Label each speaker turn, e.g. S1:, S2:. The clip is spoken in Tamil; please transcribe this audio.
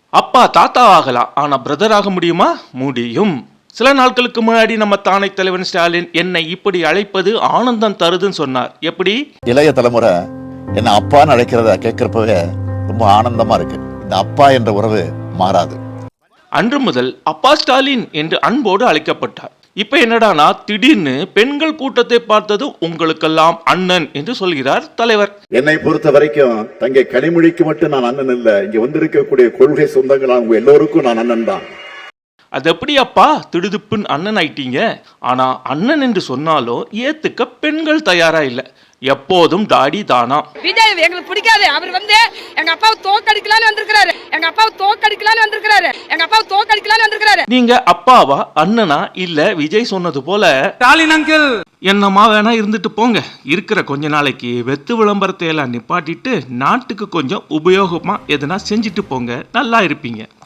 S1: அப்பா தாத்தா ஆகலாம், ஆனா பிரதர் ஆக முடியுமா? முடியும். சில நாட்களுக்கு முன்னாடி நம்ம தானை தலைவன் ஸ்டாலின் என்னை இப்படி அழைப்பது ஆனந்தம் தருதுன்னு சொன்னார். எப்படி?
S2: இளைய தலைமுறை என்ன அப்பான்னு அழைக்கிறத கேட்கிறப்பவே ரொம்ப ஆனந்தமா இருக்கு. இந்த அப்பா என்ற உறவு மாறாது.
S1: அன்று முதல் அப்பா ஸ்டாலின் என்று அன்போடு அழைக்கப்பட்டார். இப்ப என்னடானா திடீர்னு பெண்கள் கூட்டத்தை பார்த்தது உங்களுக்கெல்லாம் அண்ணன் என்று சொல்கிறார் தலைவர்.
S2: என்னை பொறுத்த வரைக்கும் தங்கை கனிமொழிக்கு மட்டும் நான் அண்ணன் இல்ல, இங்க வந்திருக்கக்கூடிய கொள்கை சொந்தங்கள் அவங்க எல்லோருக்கும் நான் அண்ணன் தான்.
S1: அது எப்படி அப்பா திடுதுப்புன்னு அண்ணன் ஆயிட்டீங்க? ஆனா அண்ணன் என்று சொன்னாலும் ஏத்துக்க பெண்கள் தயாரா இல்ல. எப்போதும் தாடி தானா.
S3: விஜய் எங்களுக்கு பிடிக்காது. அவர் வந்து எங்க அப்பாவை தோக்கடிக்கலான்னு வந்திருக்காரு. நீங்க
S1: அப்பாவா அண்ணனா இல்ல விஜய் சொன்னது போல ஸ்டாலின் அங்கிள் என்னமா வேணா இருந்துட்டு போங்க. இருக்கிற கொஞ்ச நாளைக்கு வெத்து விளம்பரத்தை எல்லாம் நிப்பாட்டிட்டு நாட்டுக்கு கொஞ்சம் உபயோகமா எதனா செஞ்சுட்டு போங்க, நல்லா இருப்பீங்க.